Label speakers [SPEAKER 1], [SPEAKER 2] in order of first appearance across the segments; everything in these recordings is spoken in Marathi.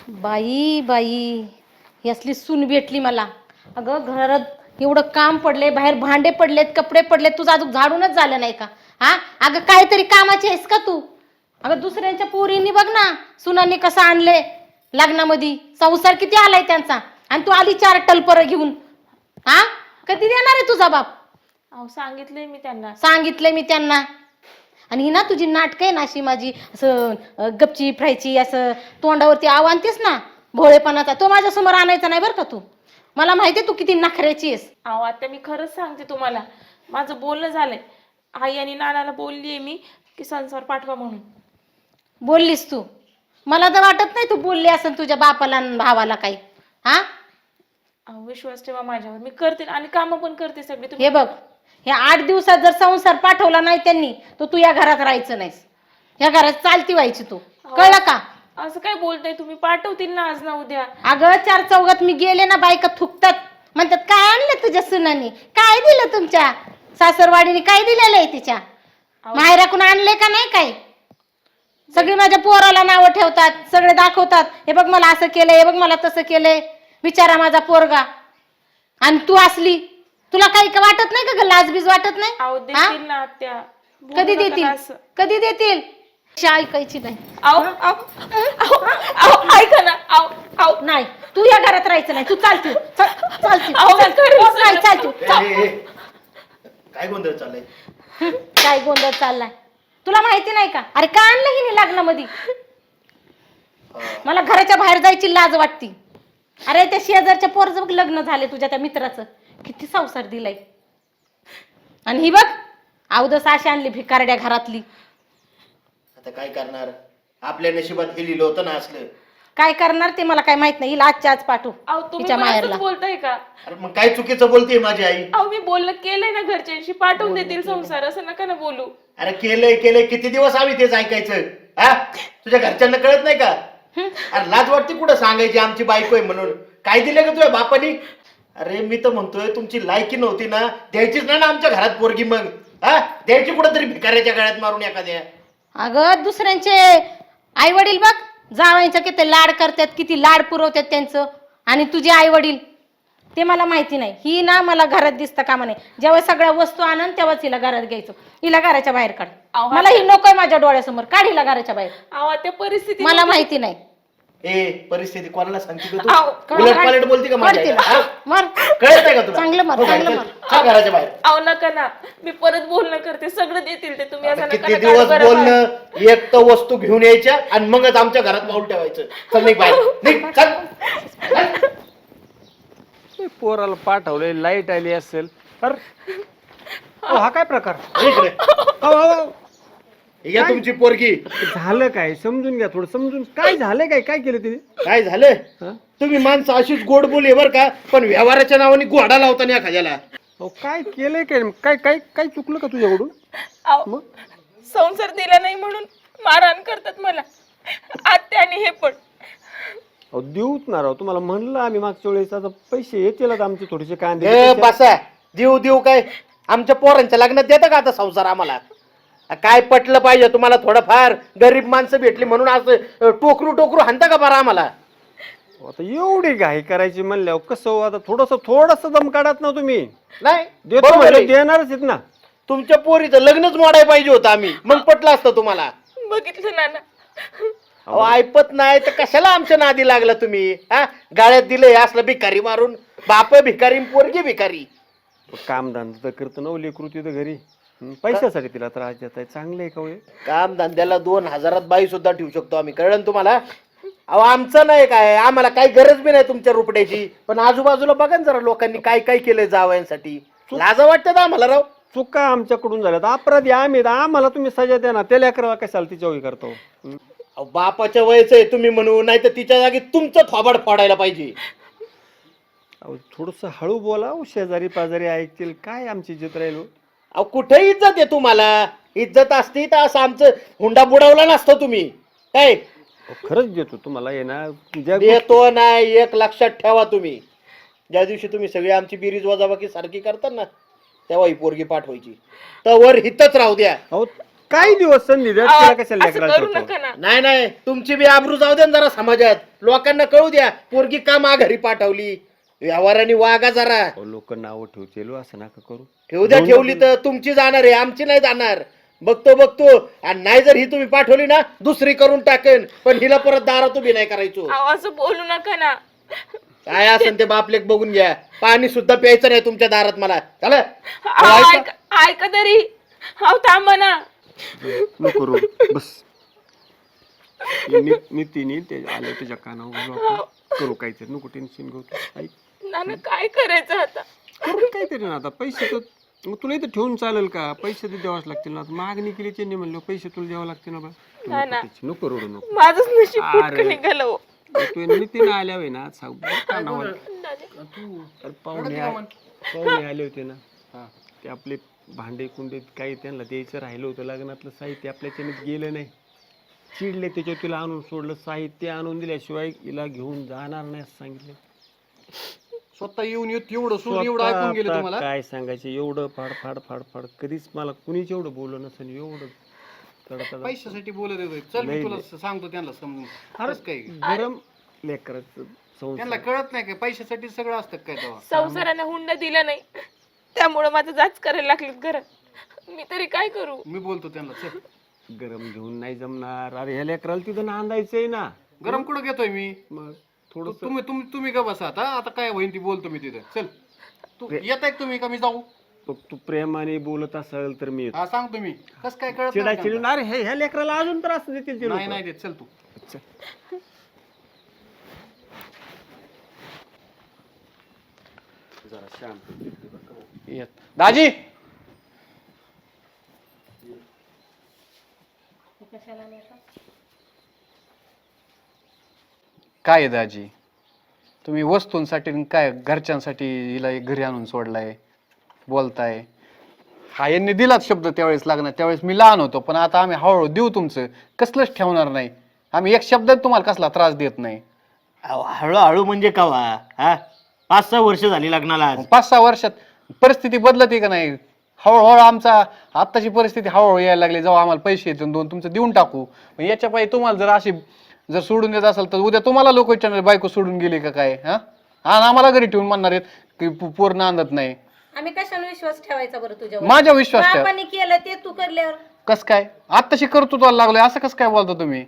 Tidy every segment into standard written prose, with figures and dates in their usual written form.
[SPEAKER 1] बाई बाई ही असली सून भेटली मला. अगं घरात एवढं काम पडले, बाहेर भांडे पडलेत, कपडे पडलेत, तुझं अजून झाडूनच झालं नाही का? हा अगं काहीतरी कामाची आहेस का तू? अगं दुसऱ्यांच्या पोरींनी बघ ना, सुनांनी कसं आणले लग्नामध्ये, संसार किती आलाय त्यांचा, आणि तू आली 4 टलपर घेऊन. हा कधी देणार आहे तुझा बाप?
[SPEAKER 2] अहो सांगितलंय मी त्यांना.
[SPEAKER 1] सांगितलंय मी त्यांना. आणि ही ना तुझी नाटक आहे ना अशी माझी, असं गपची फ्रायची, असं तोंडावरती आव आणतेस ना भोळेपणाचा, तो माझ्या समोर आणायचा नाही बरं का तू. मला माहितीये तू किती नखऱ्याची आहेस.
[SPEAKER 2] अहो आता मी खरंच सांगते तुम्हाला, माझं बोलणं झालंय. आई आणि नानाला बोललीये मी की संसार पाठवा म्हणून.
[SPEAKER 1] बोललीस तू? मला तर वाटत नाही तू बोलली असेल तुझ्या बापाला आणि भावाला काही. हा
[SPEAKER 2] अहो विश्वास ठेवा माझ्यावर, मी करते आणि कामं पण करते सगळी.
[SPEAKER 1] हे बघ, ह्या 8 दिवसात जर संसार पाठवला नाही त्यांनी तर तू या घरात राहायचं नाहीस. या घरात चालती व्हायची तू, कळलं का?
[SPEAKER 2] असं काय बोलताय तुम्ही? पाठवतील ना आज ना उद्या.
[SPEAKER 1] अगं 4 चौघात मी गेले ना, बायका थुकतात, म्हणतात काय आणलं तुझ्या सुनानी, काय दिलं तुमच्या सासरवाडीने, काय दिलेलं आहे तिच्या माहेराकडून आणले का नाही काय? सगळी माझ्या पोराला नावं ठेवतात, सगळे दाखवतात, हे बघ मला असं केलंय, हे बघ मला तसं केलंय, बिचारा माझा पोरगा. आणि तू असली, तुला काही वाटत नाही का ग? लाजबीज वाटत नाही?
[SPEAKER 2] अहो देतील ना आत्या.
[SPEAKER 1] कधी देतील? कधी देतील? ऐकायची नाही.
[SPEAKER 2] अहो अहो अहो ऐका ना. अहो अहो
[SPEAKER 1] नाही, तू या घरात राहायचं नाही. तू चालती चालती नाही, चालती.
[SPEAKER 3] काय गोंधळ चाललाय?
[SPEAKER 1] काय गोंधळ चाललाय तुला माहिती नाही का? अरे का आणलं हिने लग्नामध्ये? मला घराच्या बाहेर जायची लाज वाटती. अरे त्या शेजारच्या पोरचं लग्न झाले तुझ्या त्या मित्राचं, किती संसार दिलाय. आणि ही बघ अवदस अशी आणली भिकारड्या घरातली.
[SPEAKER 3] आता काय करणार? आपल्या नशिबात हे लिहिलं होतं ना असलं.
[SPEAKER 1] काय करणार ते मला काय माहित नाही. हिला आजच्या आज पाठव
[SPEAKER 2] अहो तुम्ही
[SPEAKER 1] तिच्या
[SPEAKER 2] पण
[SPEAKER 1] माहेरला.
[SPEAKER 2] असंच बोलताय का?
[SPEAKER 3] अरे मग काय चुकीचं बोलते माझी आई?
[SPEAKER 2] अहो मी बोलणं केलंय ना घरच्यांशी, पाठवून देतील संसार, असं नका ना बोलू.
[SPEAKER 3] अरे केलंय किती दिवस आम्ही तेच ऐकायचं? हा तुझ्या घरच्यांना कळत नाही का? अरे लाज वाटते कुठं सांगायची आमची बायको आहे म्हणून? काय दिलं का तुझ्या बापानी? अरे मी तर म्हणतोय तुमची लायकी नव्हती ना, द्यायचीच नाही ना आमच्या घरात पोरगी. मग हा द्यायची कुठं तरी भिकाऱ्याच्या गळ्यात मारून एखाद्या.
[SPEAKER 1] अगं दुसऱ्यांचे आई वडील बघ जावायचं किती लाड करतात, किती लाड पुरवतात त्यांचं, आणि तुझे आई वडील ते मला माहिती नाही. ही ना मला घरात दिसतं कामा नाही. जेव्हा सगळ्या वस्तू आणन तेव्हाच हिला घरात घ्यायचो. हिला घराच्या बाहेर काढ. मला ही नकोय माझ्या डोळ्यासमोर. काढ हिला घराच्या बाहेर.
[SPEAKER 2] अहो त्या परिस्थिती
[SPEAKER 1] मला माहिती नाही.
[SPEAKER 3] ए परिस्थिती कोणाला सांगते
[SPEAKER 2] अहो,
[SPEAKER 3] का तू? उलट पालट बोलते का माझ्या आईला? हा?
[SPEAKER 1] मर
[SPEAKER 3] कळत नाही का तुला?
[SPEAKER 1] चांगलं मर,
[SPEAKER 3] हो काय?
[SPEAKER 1] चांगलं मर.
[SPEAKER 3] चल घराच्या बाहेर.
[SPEAKER 2] अहो नका ना, मी परत बोलणं करते, सगळं देतील ते. तुम्ही असं
[SPEAKER 3] आता
[SPEAKER 2] नका
[SPEAKER 3] किती
[SPEAKER 2] ना
[SPEAKER 3] दिवस
[SPEAKER 2] काढू बरं बाहेर.
[SPEAKER 3] बोलणं, एक तर वस्तू घेऊन यायच्या आणि मगच आमच्या घरात पाऊल ठेवायचं. चल निघ बाहेर, निघ, चल.
[SPEAKER 4] पोराला पाठवले, लाईट आली असेल. अरे हा काय प्रकार?
[SPEAKER 3] इकडे.
[SPEAKER 4] अहो, अहो,
[SPEAKER 3] या तुमची पोरगी.
[SPEAKER 4] झालं काय? समजून घ्या थोडं, समजून. काय झालंय? काय केलं तिने?
[SPEAKER 3] काय झालं?
[SPEAKER 4] हा?
[SPEAKER 3] तुम्ही माणसं अशीच गोड बोली बर का, पण व्यवहाराच्या नावाने गोडा लावता नाही एखाद्याला.
[SPEAKER 4] अहो काय केलंय? काय काय काय चुकलं का तुझ्याकडून?
[SPEAKER 2] अहो संसार दिला नाही म्हणून मारहाण करतात मला आत्या, आणि हे पण.
[SPEAKER 4] अहो देऊच ना राव, तुम्हाला म्हणलं आम्ही मागच्या वेळेस. आता पैसे येतील आमचे थोडेसे कांदे.
[SPEAKER 3] ए बसा, देऊ काय? आमच्या पोरांच्या लग्नात देता का आता संसार आम्हाला? काय पटलं पाहिजे तुम्हाला थोडंफार? गरीब माणसं भेटली म्हणून असं टोकरू हाणता का बरं आम्हाला?
[SPEAKER 4] आता एवढी घाई करायची म्हणल्यावर कसं हो? आता थोडस दम काढत ना तुम्ही.
[SPEAKER 3] नाही
[SPEAKER 4] देतो
[SPEAKER 3] बरोबर
[SPEAKER 4] म्हणजे
[SPEAKER 3] आहे.
[SPEAKER 4] देणारच आहेत ना.
[SPEAKER 3] तुमच्या पोरीचं लग्नच मोडायला पाहिजे होतं आम्ही, मग पटलं असतं तुम्हाला.
[SPEAKER 2] बघितलं नाना,
[SPEAKER 3] अहो ऐपत नाही तर कशाला आमच्या नादी लागला तुम्ही? हा गाळ्यात दिलंय असलं भिकारी मारून. बाप भिकारी, पोरगी भिकारी.
[SPEAKER 4] कामधंदा तर करतो ना लेकरू तिथं घरी. पैशासाठी तिला त्रास देत आहे. चांगलं आहे का हो हे?
[SPEAKER 3] काम धंद्याला 2000 बाई सुद्धा ठेवू शकतो आम्ही, कळलं ना तुम्हाला? अहो आमचं नाही काय, आम्हाला काही गरज बी नाही तुमच्या रुपड्याची. पण आजूबाजूला बघा ना जरा लोकांनी काय काय केलंय जावयांसाठी. लाजा वाटतात आम्हाला राव.
[SPEAKER 4] चुका आमच्याकडून झाल्यात, अपराधी आम्ही. आम्हाला तुम्ही सजा द्या ना. त्याला करावा कशाला तिच्या वही करतो?
[SPEAKER 3] अहो, बापाच्या वयच आहे तुम्ही म्हणू, नाही तर तिच्या जागी तुमचं थोबाड फोडायला पाहिजे.
[SPEAKER 4] अहो थोडस हळू बोला. शेजारी पाजारी ऐकतील. काय आमची इज्जत राहील?
[SPEAKER 3] अहो कुठे इज्जत आहे तुम्हाला? इज्जत असती तर असं आमचं हुंडा बुडवला नसतं तुम्ही. काय
[SPEAKER 4] खरंच देतो तुम्हाला येणार.
[SPEAKER 3] देतो नाही, एक लक्षात ठेवा तुम्ही. ज्या दिवशी तुम्ही सगळी आमची बिरीज वजाबाकी सारखी करता ना, तेव्हा ही पोरगी पाठवायची. तर वर हितच राहू द्या.
[SPEAKER 4] अहो काही दिवस संधी द्या
[SPEAKER 2] अहो,
[SPEAKER 4] तिला कशाला
[SPEAKER 2] असं
[SPEAKER 4] लेकराला
[SPEAKER 2] करू
[SPEAKER 4] ठेवतो?
[SPEAKER 2] नका ना.
[SPEAKER 3] नाही नाही तुमची बी आबरू जाऊ द्या ना जरा समाजात. लोकांना कळू द्या पोरगी का माघारी पाठवली. व्यवहाराने वागा जरा.
[SPEAKER 4] लोक नाव ठेवतील असं नका करू.
[SPEAKER 3] ठेवू द्या, ठेवली तर तुमची जाणार आहे, आमची नाही जाणार. बघतो आणि नाही जर ही तुम्ही पाठवली ना दुसरी करून टाकेन, पण हिला परत दारात उभी नाही करायचो.
[SPEAKER 2] अहो, असं बोलू नका ना.
[SPEAKER 3] काय असेल ते बापलेक बघून घ्या. पाणी सुद्धा प्यायचं नाही तुमच्या दारात मला. चला
[SPEAKER 2] अहो, ऐका तरी. अहो थांबा ना.
[SPEAKER 4] नको रो बस. नीतीने ते आले तुझ्या कानावर करू काहीतरी. नको टेन्शन घेऊ. ऐक
[SPEAKER 2] नाना काय करायचं आता.
[SPEAKER 4] करू काहीतरी ना. आता पैसे तर मग तुला इथं ठेवून चालेल का? पैसे तर द्यावाच लागतील ना. मागणी केली त्यांनी म्हणलं पैसे तुला द्यावं लागतील ना. बा नको रोडू नको.
[SPEAKER 2] माझंच नशीब फुटकं निघालं हो.
[SPEAKER 4] तू नितीन आल्यावे ना सांग कानावर. पाहुणे आले होते ना. ते आपले भांडे कुंडे काही त्यांना द्यायचं राहिलं होतं. लग्नातलं साहित्य आपल्याच्याने गेलं नाही. चिडले त्याच्यावर तिला आणून सोडलं. साहित्य आणून दिल्याशिवाय हिला घेऊन जाणार नाही असं सांगितलं.
[SPEAKER 5] स्वतः येऊन एवढं सोडून एवढं ऐकून गेले तुम्हाला.
[SPEAKER 4] काय सांगायचं एवढं फाड फाड फाड फाड कधीच मला कुणीच एवढं बोललं नसेल. एवढं
[SPEAKER 5] पैशासाठी बोलत येतोय. चल मी तुला सांगतो त्यांना समजून. खरंच काय
[SPEAKER 4] गरम लेकराचं
[SPEAKER 5] त्यांना कळत नाही काय पैशासाठी सगळं असतं काय तेव्हा.
[SPEAKER 2] संसाराने हुंडा दिला नाही त्यामुळे माझं जाच करायला लागले घरात. मी तरी काय करू.
[SPEAKER 5] मी बोलतो त्यांना. चल
[SPEAKER 4] गरम घेऊन नाही जमणार. अरे ह्या लेकराला तिथं नांदायचंय ना.
[SPEAKER 5] गरम कुठं घेतोय मी.
[SPEAKER 4] मग थोडं
[SPEAKER 5] तुम्ही का बसा आता काय होईल ती बोलतो मी तिथे. चल तू येत आहे तुम्ही का मी जाऊ.
[SPEAKER 4] तू प्रेमाने बोलत असेल तर मी
[SPEAKER 5] हा सांगतो मी. कस काय कळत
[SPEAKER 4] चिडा
[SPEAKER 5] नाही
[SPEAKER 4] चिडून अरे ह्या लेकराला अजून तर असं देतील ते
[SPEAKER 5] नाही
[SPEAKER 4] लोकं.
[SPEAKER 5] नाही देत. चल तू.
[SPEAKER 4] जरा शांत
[SPEAKER 5] येत दाजी. काय आहे दाजी तुम्ही वस्तूंसाठी आणि काय घरच्यांसाठी हिला एक घरी आणून सोडलाय बोलताय. हा यांनी दिलाच शब्द त्यावेळेस लागणार. त्यावेळेस मी लहान होतो पण आता आम्ही हळूहळू देऊ. तुमचं कसलंच ठेवणार नाही. आम्ही एक शब्द तुम्हाला कसला त्रास देत नाही.
[SPEAKER 3] हळूहळू म्हणजे कवा हा 5-6 वर्ष झाली लग्नाला आज.
[SPEAKER 5] 5-6 वर्षात परिस्थिती बदलते का नाही. हळूहळू आमचा आत्ताची परिस्थिती हळूहळू यायला लागली. जेव्हा आम्हाला पैसे येतील 2 तुमचं देऊन टाकू. पण याच्या पायी तुम्हाला जर अशी जर सोडून देत असेल तर उद्या तुम्हाला लोक विचारणार बायको सोडून गेली का काय. हा आणि आम्हाला घरी ठेवून म्हणणार आहेत की पूर्ण आणत नाही.
[SPEAKER 1] आम्ही कशाने विश्वास ठेवायचा बरं तुझ्यावर.
[SPEAKER 5] माझ्या विश्वास ठेवा.
[SPEAKER 1] बापाने केलं ते तू करल्यावर
[SPEAKER 5] कस काय आत्ताशी कर्तृत्वाला लागलोय असं कसं काय बोलता तुम्ही.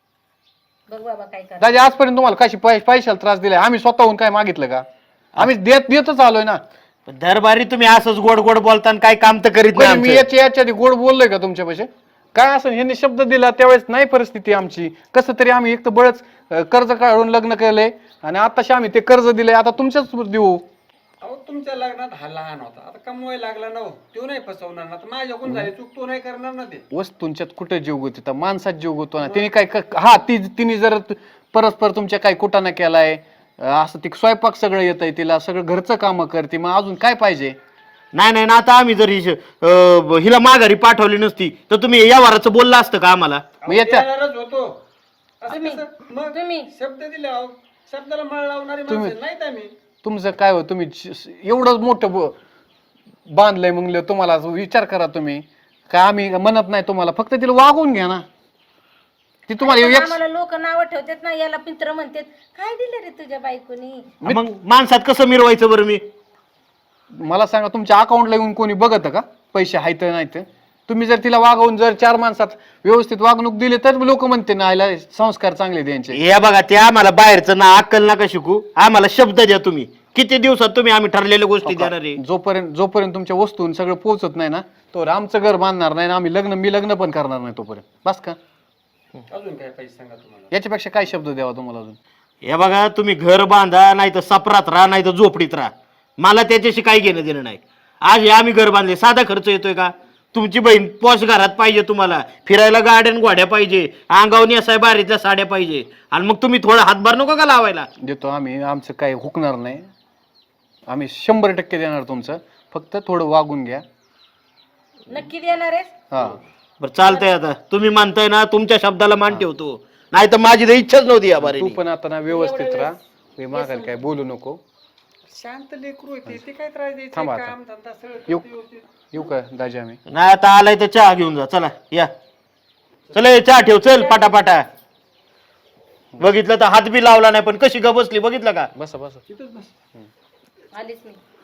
[SPEAKER 1] बघ बाबा काय कर.
[SPEAKER 5] दादा आजपर्यंत तुम्हाला कशी पैशाला त्रास दिलाय. आम्ही स्वतःहून काय मागितलं का. आम्ही देतच आलोय ना.
[SPEAKER 3] पण दरबारी तुम्ही असंच गोड गोड बोलता आणि काय काम तर करीत नाही
[SPEAKER 5] मी
[SPEAKER 3] आमचं.
[SPEAKER 5] याच्या आधी गोड बोललोय का तुमच्यापाशी. काय असं ह्यांनी शब्द दिला त्यावेळेस नाही परिस्थिती आमची. कसं तरी आम्ही एक तर बळच कर्ज काढून लग्न केलंय आणि आताशी आम्ही ते कर्ज दिलंय. आता तुमच्याच देऊ.
[SPEAKER 4] अहो तुमच्या लग्नात हा लहान होता आता कमवायला लागला ना. तो नाही फसवणार ना. माझ्याकडून झाले चूक तो नाही करणार ना. ते
[SPEAKER 5] वस्तूंच्यात कुठे जीव गुतो माणसात जीव गुतो ना. तिने काय हा तिने जर परस्पर तुमच्या काही कुटाणा केलाय असं ती स्वयंपाक सगळं येत आहे तिला सगळं घरचं काम करते. मग अजून काय पाहिजे.
[SPEAKER 3] नाही ना आता आम्ही जर हिला माघारी पाठवली नसती तर तुम्ही या वाराचं बोललं असतं का आम्हाला.
[SPEAKER 5] मग याच्या
[SPEAKER 4] देणारच होतो. असं कसं? मग
[SPEAKER 1] तुम्ही
[SPEAKER 4] शब्द दिले अहो. शब्दाला मळ लावणारी माणसं नाहीत आम्ही.
[SPEAKER 5] तुमचं काय हो तुम्ही एवढं मोठं बांधलंय म्हणलं तुम्हाला विचार करा तुम्ही. काय आम्ही म्हणत नाही तुम्हाला फक्त तिला वागवून घ्या ना. ती तुम्हाला
[SPEAKER 1] आम्हाला लोक नाव ठेवतात ना याला मित्र म्हणतात. काय दिलं रे तुझ्या बायकोनी.
[SPEAKER 3] मग माणसात कसं मिरवायचं बरं मी.
[SPEAKER 5] मला सांगा तुमच्या अकाउंटला येऊन कोणी बघत का पैसे आहेत नाही तर. तुम्ही जर तिला वागवून जर 4 माणसात व्यवस्थित वागणूक दिली तर लोक म्हणते ना आयला संस्कार चांगले द्यायचे.
[SPEAKER 3] या बघा ते आम्हाला बाहेरचं ना अक्कल नका शिकू. आम्हाला शब्द द्या तुम्ही. किती दिवसात तुम्ही आम्ही ठरलेल्या गोष्टी देणार आहे.
[SPEAKER 5] जोपर्यंत तुमच्या वस्तून सगळं पोहोचत नाही ना तोवर आमचं घर बांधणार नाही ना. मी लग्न पण करणार नाही तोपर्यंत. बस का.
[SPEAKER 4] अजून काय पैसे सांगा तुम्हाला.
[SPEAKER 5] याच्यापेक्षा काय शब्द द्यावा तुम्हाला अजून.
[SPEAKER 3] हे बघा तुम्ही घर बांधा नाही तर सपरात राहा नाही तर झोपडीत राहा. मला त्याच्याशी काही घेणं देणं नाही. आज हे आम्ही घर बांधले साधा खर्च येतोय का. तुमची बहीण पॉश घरात पाहिजे. तुम्हाला फिरायला गार्डन गोड्या पाहिजे. अंगावनी असाय बारीतल्या साड्या पाहिजे. आणि मग तुम्ही थोडा हातभार नको का लावायला.
[SPEAKER 5] देतो आम्ही. आमचं काही हुकणार नाही. आम्ही 100% देणार तुमचं. फक्त थोडं वागून घ्या.
[SPEAKER 1] नक्की देणार आहेस.
[SPEAKER 5] हा
[SPEAKER 3] बरं चालतंय आता तुम्ही मानताय ना तुमच्या शब्दाला मान ठेवतो. नाही तर माझी तर इच्छाच नव्हती या बारे.
[SPEAKER 5] तू पण आता ना व्यवस्थित राहा. मी मागायला काय बोलू नको.
[SPEAKER 4] शांत लेकरू आहे ते काय त्रास द्यायचं.
[SPEAKER 5] थांबा आता.
[SPEAKER 4] काम धंदा सगळं
[SPEAKER 5] येऊ का दाजी आम्ही.
[SPEAKER 3] नाही आता आलाय तर चहा घेऊन जा. चला या. चल ए, चहा ठेव चल पाटापाटा. बघितलं तर हात बी लावला नाही पण कशी ग बसली बघितलं का.
[SPEAKER 5] बस बस
[SPEAKER 1] आलीच मी.